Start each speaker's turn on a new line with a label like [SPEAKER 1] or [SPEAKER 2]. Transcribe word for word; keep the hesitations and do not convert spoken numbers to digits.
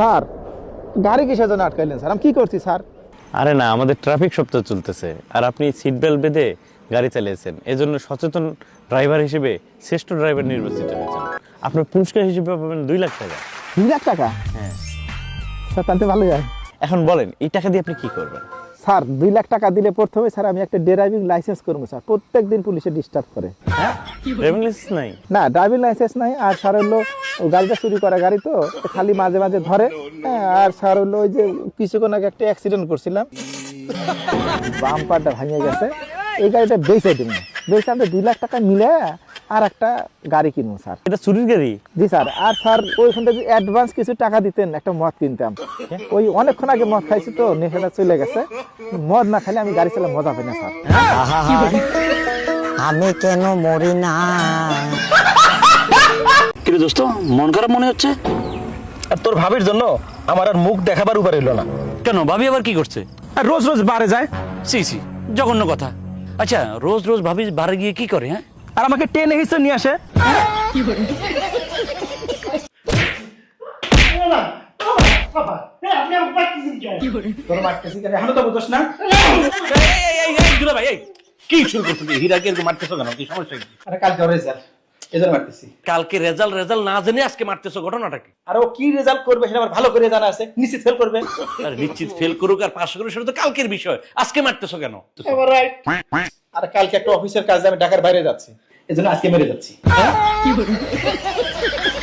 [SPEAKER 1] Sir গাড়ি কিসের জন্য আটকাইলেন স্যার? আমি কি করছি স্যার?
[SPEAKER 2] আরে না, আমাদের ট্রাফিক সপ্তাহ চলতেছে আর আপনি সিট বেল্ট বেঁধে গাড়ি চালিয়েছেন, এজন্য সচেতন ড্রাইভার হিসেবে শ্রেষ্ঠ ড্রাইভার নির্বাচিত হয়েছেন। আপনার পুরস্কার হিসেবে পাবেন দুই লাখ টাকা।
[SPEAKER 1] দুই লাখ টাকা?
[SPEAKER 2] হ্যাঁ
[SPEAKER 1] স্যার তাহলে ভালো যায়।
[SPEAKER 2] এখন বলেন এই টাকা দিয়ে আপনি কি করবেন?
[SPEAKER 1] স্যার দুই লাখ টাকা দিলে প্রথমে স্যার আমি একটা ড্রাইভিং লাইসেন্স করবো স্যার। প্রত্যেক দিন পুলিশে ডিস্টার্ব করে।
[SPEAKER 2] হ্যাঁ, ড্রাইভিং লাইসেন্স নাই?
[SPEAKER 1] না, ড্রাইভিং লাইসেন্স নাই। আর স্যার হলো ও গাড়িটা চুরি করা গাড়ি তো খালি মাঝে মাঝে ধরে। হ্যাঁ, আর স্যার হলো ওই যে কিছুক্ষণ আগে একটা অ্যাক্সিডেন্ট করছিলাম, বাম্পারটা ভাঙে গেছে। এই গাড়িটা বেচে দিব, বেচে আমি দুই লাখ টাকা মিলে আর একটা গাড়ি কিনবো স্যার।
[SPEAKER 2] এটা চুরির গাড়ি?
[SPEAKER 1] জি স্যার। আর স্যার ওইখান থেকে অ্যাডভান্স কিছু টাকা দিতেন, একটা মদ কিনতাম। ওই অনেকক্ষণ আগে মদ খাইছি তো নেশাটা চলে গেছে। মদ না খাইলে আমি গাড়ি চালাতে মজা পাই না স্যার।
[SPEAKER 3] আমি কেন মরি না?
[SPEAKER 4] কিন্তু দোস্ত মন খারাপ মনে হচ্ছে।
[SPEAKER 5] আর তোর ভাবির জন্য আমার আর মুখ দেখাবার উপর এলো না।
[SPEAKER 4] কেন, ভাবি আবার কি করছে?
[SPEAKER 5] আর রোজ রোজ বারে যায়।
[SPEAKER 4] সি সি, জঘন্য কথা। আচ্ছা, রোজ রোজ ভাবি বারে গিয়ে কি করে? হ্যাঁ,
[SPEAKER 5] আর আমাকে টেনে হিসে নিয়ে আসে।
[SPEAKER 4] কি শুরু করছো? হীরাকে এরকম মারতেছো কেন? কি সমস্যা কি?
[SPEAKER 1] আরে কালকে রেজাল্ট, এজন্য মারতেছি।
[SPEAKER 4] কালকে রেজাল্ট রেজাল্ট না জেনে আজকে মারতেছো, ঘটনাটা কি?
[SPEAKER 1] আর ও কি রেজাল্ট করবে সেটা আমার ভালো করে জানা আছে, নিশ্চিত ফেল করবে।
[SPEAKER 4] আর নিশ্চিত ফেল করুক আর পাস করুক সেটা তো কালকের বিষয়, আজকে মারতেছো কেন?
[SPEAKER 1] আর কালকে একটা অফিসের কাজে আমি ঢাকার বাইরে যাচ্ছি, এজন্য আজকে মেরে যাচ্ছি।